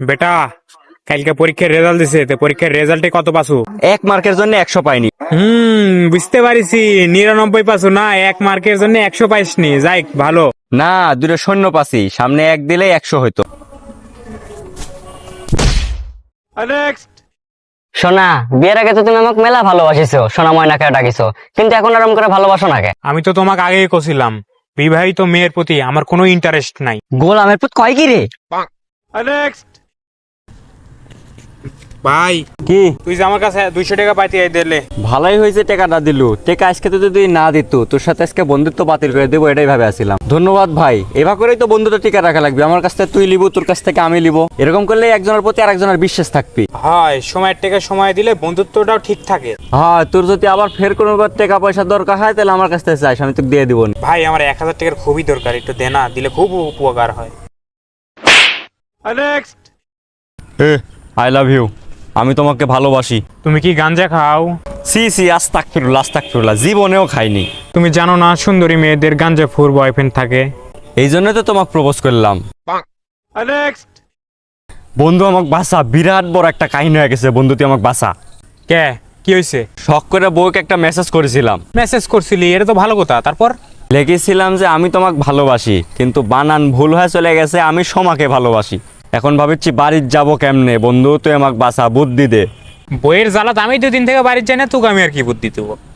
বেটা, কালকে পরীক্ষার রেজাল্ট দিছে, তো পরীক্ষার রেজাল্টে কত পাসু? 1 মার্কের জন্য 100 পাইনি। বুঝতে পারিছি, 99 পাসু না, 1 মার্কের জন্য 100 পাইসনি। যাই ভালো। না, দুটো শূন্য পাসি, সামনে 1 দিলে 100 হইতো। সোনা, বিয়ের আগে তো তুমি আমাকে মেলা ভালোবাসিছো, সোনা ময়নাকে ডাকিছো, কিন্তু এখন আরাম করে ভালোবাসো না কে? আমি তো তোমাকে আগেই কছিলাম, বিবাহিত মেয়ের প্রতি আমার কোনো ইন্টারেস্ট নাই। গোলামের পুত কয় কি রে? ভাই, কি তুই যে আমার কাছে 200 টাকা পাইতে দিলে। ভালোই হয়েছে টাকাটা দিলু। টাকা আজকে তো যদি না দিত, তোর সাথে আজকে বন্ধুত্ব বাতিল করে দেবো, এটাই ভাবে আসছিলাম। ধন্যবাদ ভাই, এবার করেই তো বন্ধুত্ব টিকা রাখা লাগবে। আমার কাছ থেকে তুই লিবো, তোর কাছ থেকে আমি লিবো, এরকম করলে একজনের প্রতি আরেকজনের বিশ্বাস থাকবি। হয়, সময়ের টাকা সময় দিলে বন্ধুত্বটাও ঠিক থাকে। হ্যাঁ, তোর যদি আবার ফের কোনো টাকা পয়সা দরকার হয়, তাহলে আমার কাছ থেকে চাইস, আমি তোকে দিয়ে দিবো। ভাই, আমার 1000 টাকার খুবই দরকার, একটু দে না, দিলে খুব উপকার হয়। আই লাভ ইউ, আমি তোমাকে ভালোবাসি। তুমি কি গাঞ্জা খাও? সি সি, আস্তাগফিরুল্লাহ, জীবনেও খাইনি। তুমি জানো না, সুন্দরী মেয়েদের গাঞ্জা ফুর বয়ফ্রেন্ড থাকে। এই জন্য তো তোমাকে প্রপোজ করলাম। বন্ধু, আমাকে বাসা, বিরাট বড় একটা কাহিনী হয়ে গেছে বন্ধু, তুই আমাকে বাসা। কে? কি হয়েছে? শখ করে বউকে একটা মেসেজ করেছিলাম। মেসেজ করছিলি? এটা তো ভালো কথা। তারপর? লিখেছিলাম যে আমি তোমাকে ভালোবাসি, কিন্তু বানান ভুল হয়ে চলে গেছে, আমি সোমাকে ভালোবাসি। এখন ভাবছি বাড়ির যাব কেমনে। বন্ধু, তুই আমাকে বাসা, বুদ্ধি দে। বইয়ের জ্বালাত আমি 2 দিন থেকে বাড়ির যাই না, তোকে আমি আর কি বুদ্ধি দেবো?